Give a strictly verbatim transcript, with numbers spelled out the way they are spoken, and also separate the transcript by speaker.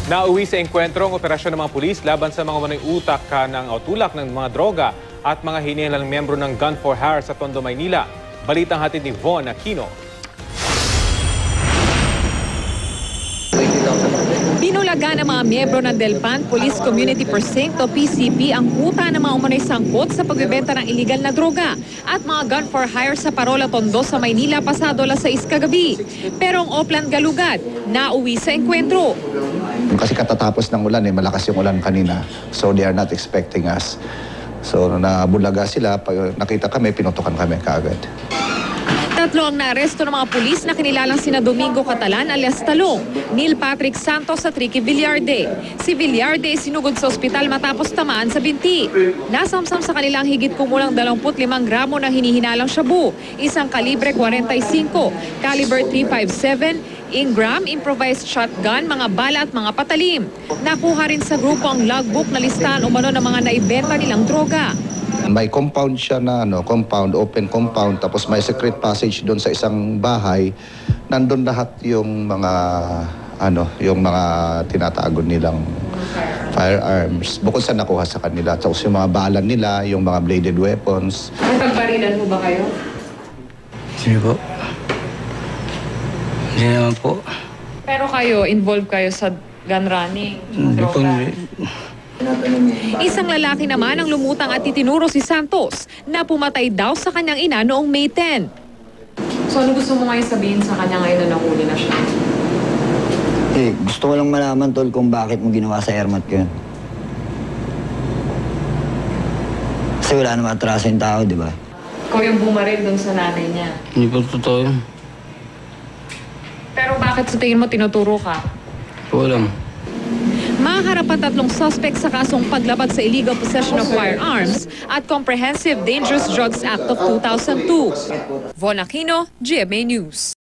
Speaker 1: Nauwi sa engkwentro ang operasyon ng mga pulis laban sa mga umano'y utak ka ng o tulak ng mga droga at mga hinihilalang miyembro ng Gun for Hire sa Tondo, Maynila. Balitang hatid ni Von Aquino.
Speaker 2: Binulaga ng mga miyembro ng Delpan Police Community Precinct o P C P ang kuta ng mga umano'y sangkot sa pagbebenta ng iligal na droga at mga gun for hire sa Parola, Tondo sa Maynila pasado alas sais kagabi. Pero ang Oplan Galugad nauwi sa engkwentro.
Speaker 3: Kasi katatapos ng ulan, eh, malakas yung ulan kanina. So they are not expecting us. So nabulaga sila, pag nakita kami, pinutukan kami kaagad.
Speaker 2: Tatlo ang naaresto ng mga pulis na kinilalang sina Domingo Catalan alias Talong, Neil Patrick Santos at Ricky Villarde. Si Villarde sinugod sa ospital matapos tamaan sa binti. Nasamsam sa kanilang higit kumulang dalawampu't limang gramo ng hinihinalang shabu, isang kalibre forty-five, caliber three fifty-seven, Ingram, improvised shotgun, mga bala at mga patalim. Nakuha rin sa grupo ang logbook na listahan umano ng mga naibenta nilang droga.
Speaker 3: May compound siya na ano, compound, open compound, tapos may secret passage doon sa isang bahay. Nandun lahat yung mga ano, yung mga tinatago nilang firearms. Bukod sa nakuha sa kanila, tapos yung mga bala nila, yung mga bladed weapons.
Speaker 2: Nagpagparilan mo ba kayo?
Speaker 4: Sige po. Hindi naman po.
Speaker 2: Pero kayo, involved kayo sa gun running?
Speaker 4: Hindi po.
Speaker 2: Isang lalaki naman ang lumutang at itinuro si Santos na pumatay daw sa kanyang ina noong May tenth. So ano gusto mo ngayon sabihin sa kanya ngayon na nahuli na siya?
Speaker 5: Eh, gusto ko lang malaman, tol, kung bakit mo ginawa sa airmat ko yun. Kasi wala naman atraso yung tao, di ba?
Speaker 2: Ikaw yung bumaril dun sa nanay niya.
Speaker 4: Hindi po totoo yun.
Speaker 2: Pero bakit sa tingin mo tinuturo ka?
Speaker 4: Walang.
Speaker 2: Maharap ang tatlong suspect sa kasong paglabag sa illegal possession of firearms at Comprehensive Dangerous Drugs Act of two thousand two. Von Aquino, G M A News.